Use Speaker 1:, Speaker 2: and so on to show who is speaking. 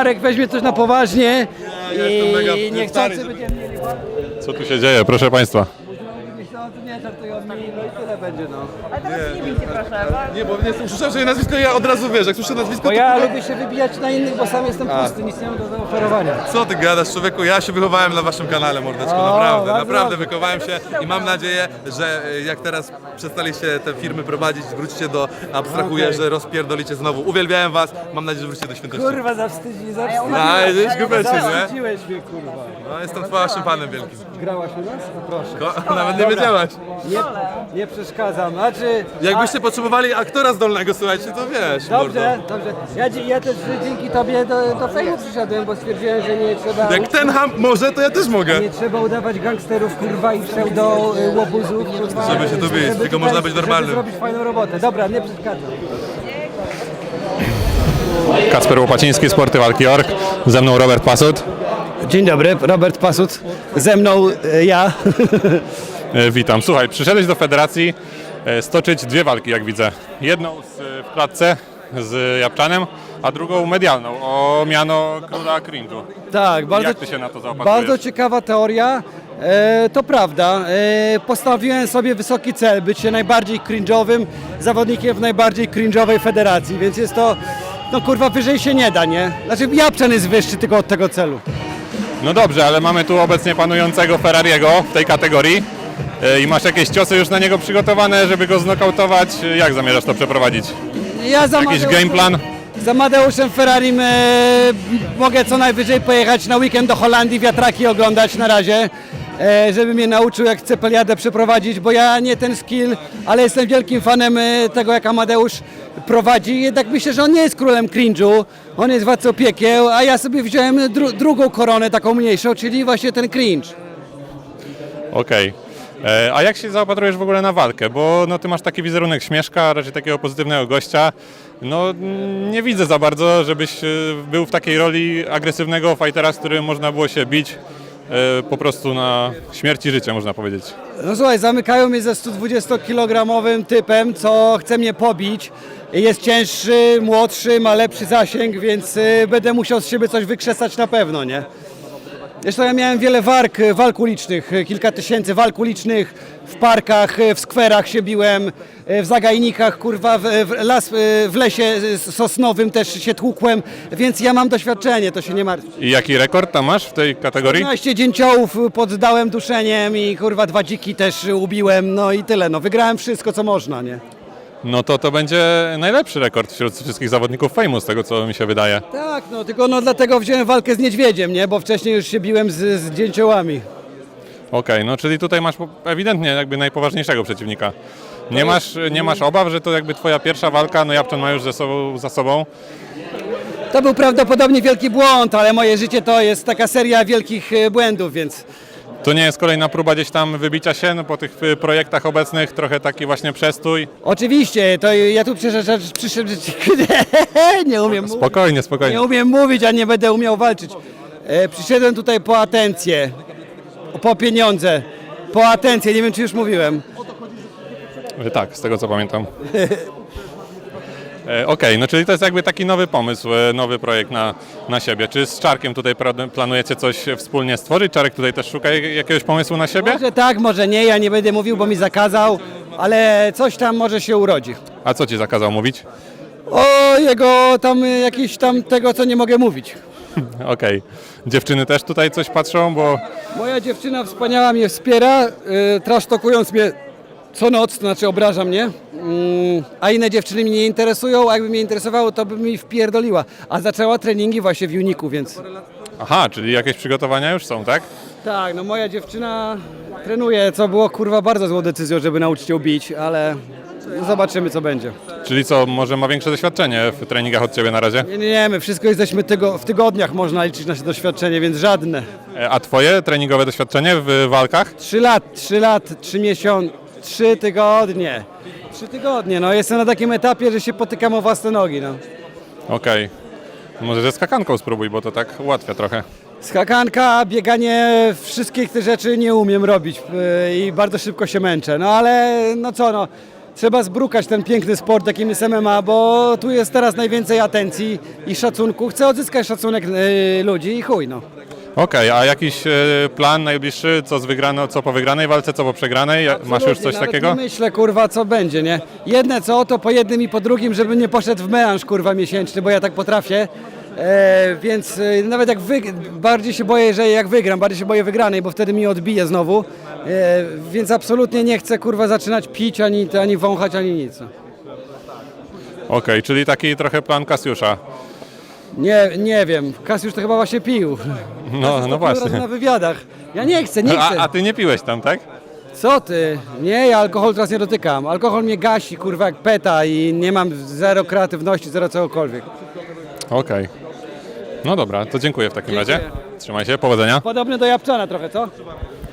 Speaker 1: Marek weźmie coś na poważnie
Speaker 2: Ja jestem mega
Speaker 1: i niechcący
Speaker 2: stary,
Speaker 1: będziemy mieli...
Speaker 3: Co tu się dzieje, proszę Państwa?
Speaker 1: Nie żartują mi, no i tyle będzie, no.
Speaker 4: Ale teraz nie bijcie proszę, bo...
Speaker 2: Nie, bo nie usłyszałem, że nazwisko, ja od razu wiesz, jak słyszę nazwisko,
Speaker 1: Bo
Speaker 2: to...
Speaker 1: ja lubię się wybijać na innych, bo sam jestem pusty, nic nie mam do zaoferowania.
Speaker 2: Co ty gadasz, człowieku? Ja się wychowałem na waszym kanale, mordeczko, naprawdę,
Speaker 1: bardzo
Speaker 2: naprawdę
Speaker 1: dobrze.
Speaker 2: wychowałem się i mam nadzieję, że jak teraz przestaliście te firmy prowadzić, wrócicie do, abstrahuję, że rozpierdolicie znowu. Uwielbiałem was, mam nadzieję, że wrócicie do świętości.
Speaker 1: Kurwa, zawstydziłeś
Speaker 2: No, jesteś gubeczny, nie?
Speaker 1: Zawstydziłeś mnie, kurwa.
Speaker 2: No, jestem waszym fanem wielkim.
Speaker 1: Grałaś u nas? No proszę.
Speaker 2: Nawet nie wiedziałaś.
Speaker 1: Nie przeszkadzam, znaczy...
Speaker 2: Jakbyście potrzebowali aktora zdolnego, słuchajcie, to wiesz,
Speaker 1: Dobrze,
Speaker 2: mordo.
Speaker 1: dobrze. Ja też dzięki tobie do fejmu przyszedłem, bo stwierdziłem, że nie trzeba...
Speaker 2: Jak ten ham może, to ja też mogę.
Speaker 1: Nie trzeba udawać gangsterów, kurwa, i pseudo łobuzów, kurwa.
Speaker 2: Żeby się tu bić, tylko
Speaker 1: tutaj-
Speaker 2: można być normalnym.
Speaker 1: Żeby zrobić fajną robotę. Dobra, nie przeszkadzam.
Speaker 3: Kacper Łopaciński, Sporty Walki Org. Ze mną Robert Pasut.
Speaker 1: Dzień dobry, Robert Pasut. Ze mną ja.
Speaker 3: Witam. Słuchaj, przyszedłeś do federacji stoczyć dwie walki, jak widzę. Jedną w klatce z Japczanem, a drugą medialną, o miano króla cringe'u.
Speaker 1: Tak, bardzo,
Speaker 3: Jak ty się na to zaopatrujesz?
Speaker 1: bardzo ciekawa teoria. To prawda. Postawiłem sobie wysoki cel, być się najbardziej cringe'owym zawodnikiem w najbardziej cringe'owej federacji, więc jest to, no kurwa, wyżej się nie da, nie? Znaczy Japczan jest wyższy tylko od tego celu.
Speaker 3: No dobrze, ale mamy tu obecnie panującego Ferrariego w tej kategorii. I masz jakieś ciosy już na niego przygotowane, żeby go znokautować? Jak zamierzasz to przeprowadzić?
Speaker 1: Ja za
Speaker 3: Jakiś
Speaker 1: Mateuszem-
Speaker 3: game plan?
Speaker 1: Za Mateuszem Ferrarim mogę co najwyżej pojechać na weekend do Holandii, wiatraki oglądać na razie, żeby mnie nauczył, jak Cepeliadę przeprowadzić, bo ja nie ten skill, ale jestem wielkim fanem tego, jak Amadeusz prowadzi. Jednak myślę, że on nie jest królem cringe'u, on jest władcą piekieł, a ja sobie wziąłem drugą koronę, taką mniejszą, czyli właśnie ten cringe.
Speaker 3: Okej. A jak się zaopatrujesz w ogóle na walkę? Bo no, ty masz taki wizerunek śmieszka, raczej takiego pozytywnego gościa. No nie widzę za bardzo, żebyś był w takiej roli agresywnego fightera, z którym można było się bić po prostu na śmierć i życie, można powiedzieć.
Speaker 1: No słuchaj, zamykają mnie ze 120-kilogramowym typem, co chce mnie pobić. Jest cięższy, młodszy, ma lepszy zasięg, więc będę musiał z siebie coś wykrzesać na pewno, nie? Zresztą ja miałem wiele walk ulicznych, kilka tysięcy walk ulicznych w parkach, w skwerach się biłem, w zagajnikach, kurwa, w lesie sosnowym też się tłukłem, więc ja mam doświadczenie, to się nie martw.
Speaker 3: I jaki rekord tam masz w tej kategorii?
Speaker 1: 15 dzięciołów poddałem duszeniem i kurwa 2 dziki też ubiłem, no i tyle, no wygrałem wszystko co można, nie?
Speaker 3: No to będzie najlepszy rekord wśród wszystkich zawodników Fejmu, z tego co mi się wydaje.
Speaker 1: Tak, no tylko no dlatego wziąłem walkę z niedźwiedziem, nie? Bo wcześniej już się biłem z dzięciołami.
Speaker 3: Okej, no czyli tutaj masz ewidentnie jakby najpoważniejszego przeciwnika. Nie masz obaw, że to jakby twoja pierwsza walka, no Japczan ma już za sobą.
Speaker 1: To był prawdopodobnie wielki błąd, ale moje życie to jest taka seria wielkich błędów, więc
Speaker 3: To nie jest kolejna próba gdzieś tam wybicia się, no po tych projektach obecnych, trochę taki właśnie przestój.
Speaker 1: oczywiście, to ja tu przyszedłem, nie umiem mówić,
Speaker 3: Spokojnie, spokojnie.
Speaker 1: nie umiem mówić, a nie będę umiał walczyć. Przyszedłem tutaj po atencję, po pieniądze, po atencję, nie wiem czy już mówiłem.
Speaker 3: Tak, z tego co pamiętam. Okej, no czyli to jest jakby taki nowy pomysł, nowy projekt na siebie. Czy z Czarkiem tutaj planujecie coś wspólnie stworzyć? Czarek tutaj też szuka jakiegoś pomysłu na siebie?
Speaker 1: Może tak, może nie, ja nie będę mówił, bo mi zakazał, ale coś tam może się urodzi.
Speaker 3: A co ci zakazał mówić?
Speaker 1: O jego tam jakieś tam tego, co nie mogę mówić.
Speaker 3: Okej. Dziewczyny też tutaj coś patrzą, bo
Speaker 1: Moja dziewczyna wspaniała mnie wspiera, trasztokując mnie co noc, to znaczy obraża mnie, a inne dziewczyny mnie nie interesują, a jakby mnie interesowało, to by mi wpierdoliła. A zaczęła treningi właśnie w Uniku, więc...
Speaker 3: aha, czyli jakieś przygotowania już są, tak?
Speaker 1: Tak, no moja dziewczyna trenuje, co było kurwa bardzo złą decyzją, żeby nauczyć ją bić, ale zobaczymy co będzie.
Speaker 3: Czyli co, może ma większe doświadczenie w treningach od ciebie na razie?
Speaker 1: Nie, my wszystko jesteśmy w tygodniach można liczyć nasze doświadczenie, więc żadne.
Speaker 3: A twoje treningowe doświadczenie w walkach?
Speaker 1: 3 lat, 3 miesiące, 3 tygodnie. 3 tygodnie, no jestem na takim etapie, że się potykam o własne nogi, no.
Speaker 3: Okej. Może ze skakanką spróbuj, bo to tak ułatwia trochę.
Speaker 1: Skakanka, bieganie, wszystkich tych rzeczy nie umiem robić i bardzo szybko się męczę, no ale no co, no trzeba zbrukać ten piękny sport, jakim jest MMA, bo tu jest teraz najwięcej atencji i szacunku. Chcę odzyskać szacunek ludzi i chuj, no.
Speaker 3: Okej, a jakiś plan najbliższy, co po wygranej walce, co po przegranej? Masz już
Speaker 1: Absolutnie,
Speaker 3: coś
Speaker 1: nawet
Speaker 3: takiego?
Speaker 1: Nie myślę, kurwa, co będzie, nie? Jedne co, to po jednym i po drugim, żeby nie poszedł w melanż, kurwa, miesięczny, bo ja tak potrafię. Więc nawet jak bardziej się boję, że jak wygram, bardziej się boję wygranej, bo wtedy mi odbije znowu. Więc absolutnie nie chcę, kurwa, zaczynać pić, ani wąchać, ani nic.
Speaker 3: Okej, czyli taki trochę plan Kasiusza.
Speaker 1: Nie wiem, Kasiusz to chyba właśnie pił.
Speaker 3: No właśnie.
Speaker 1: Na wywiadach. Ja nie chcę.
Speaker 3: A ty nie piłeś tam, tak?
Speaker 1: Co ty? Nie, ja alkohol teraz nie dotykam. Alkohol mnie gasi, kurwa, jak peta i nie mam zero kreatywności, zero cokolwiek.
Speaker 3: Okej. No dobra, to dziękuję w takim
Speaker 1: Dziękuję.
Speaker 3: razie. Trzymaj się, powodzenia.
Speaker 1: Podobny do Japczana trochę, co?